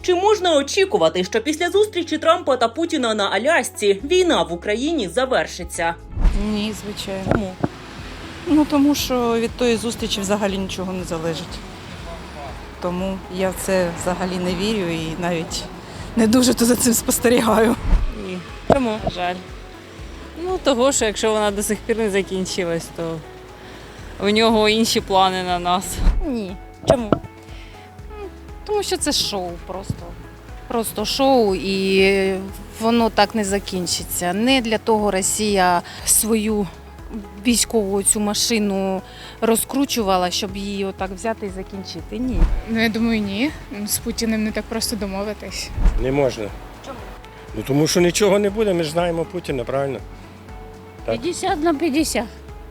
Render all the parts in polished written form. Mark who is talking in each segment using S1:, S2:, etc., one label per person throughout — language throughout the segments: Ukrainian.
S1: Чи можна очікувати, що після зустрічі Трампа та Путіна на Алясці війна в Україні завершиться?
S2: Ні, звичайно.
S1: Чому?
S2: Ну, тому що від тої зустрічі взагалі нічого не залежить. Тому я в це взагалі не вірю і навіть не дуже то за цим спостерігаю.
S3: Ні,
S1: Чому?
S3: жаль. Ну, того, що якщо вона до сих пір не закінчилась, то у нього інші плани на нас.
S4: Ні.
S1: Чому?
S4: Тому що це шоу просто. Просто шоу, і воно так не закінчиться. Не для того Росія свою військову цю машину розкручувала, щоб її отак взяти і закінчити. Ні.
S5: Ну, я думаю, ні. З Путіним не так просто домовитись.
S6: Не можна.
S1: Чому?
S6: Ну тому що нічого не буде, ми ж знаємо Путіна, правильно? Так.
S7: 50/50.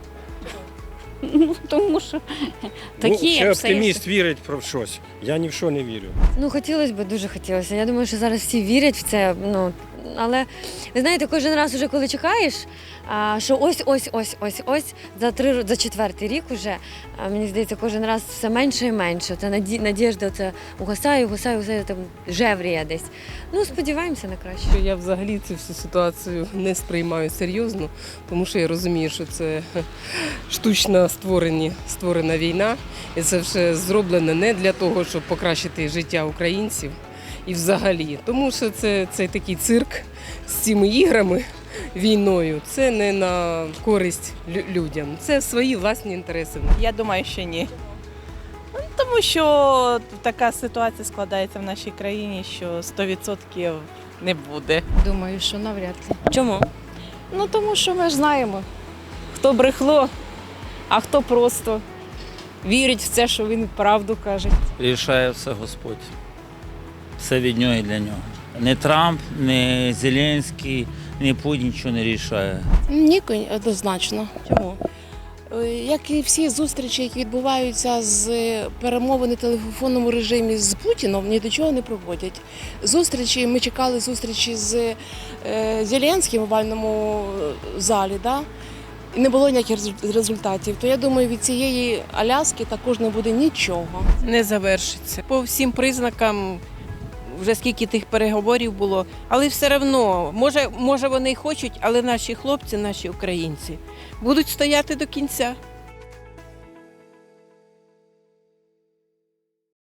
S7: Ну, тому що такі
S6: ще
S7: обстоятельства.
S6: оптиміст вірить про щось. Я ні в що не вірю.
S8: Ну, хотілося б, дуже хотілося. Я думаю, що зараз всі вірять в це. Ну, але, ви знаєте, кожен раз, уже коли чекаєш, що ось, за 4-й рік уже, мені здається, кожен раз все менше і менше. Це надіжда це угасає, там жевріє десь. Ну, сподіваємося на краще.
S9: Я взагалі цю всю ситуацію не сприймаю серйозно, тому що я розумію, що це штучно створена війна, і це все зроблено не для того, щоб покращити життя українців і взагалі. Тому що це такий цирк з цими іграми, війною, це не на користь людям, це свої власні інтереси.
S2: Я думаю, що ні. Ну, тому що така ситуація складається в нашій країні, що 100% не буде.
S7: Думаю, що навряд ли.
S1: Чому?
S7: Ну, тому що ми ж знаємо, хто брехло, а хто просто вірить в це, що він правду каже.
S10: Рішає все Господь. Все від нього і для нього. Не Трамп, не Зеленський, не Путін нічого не рішає.
S11: Ні, однозначно.
S1: Чому?
S11: Як і всі зустрічі, які відбуваються з перемовини в телефонному режимі з Путіном, ні до чого не проводять. Зустрічі, ми чекали зустрічі з Зеленським в овальному залі, да? І не було ніяких результатів. То я думаю, від цієї Аляски також не буде нічого.
S2: Не завершиться. По всім признакам, вже скільки тих переговорів було, але все одно, може вони й хочуть, але наші хлопці, наші українці, будуть стояти до кінця.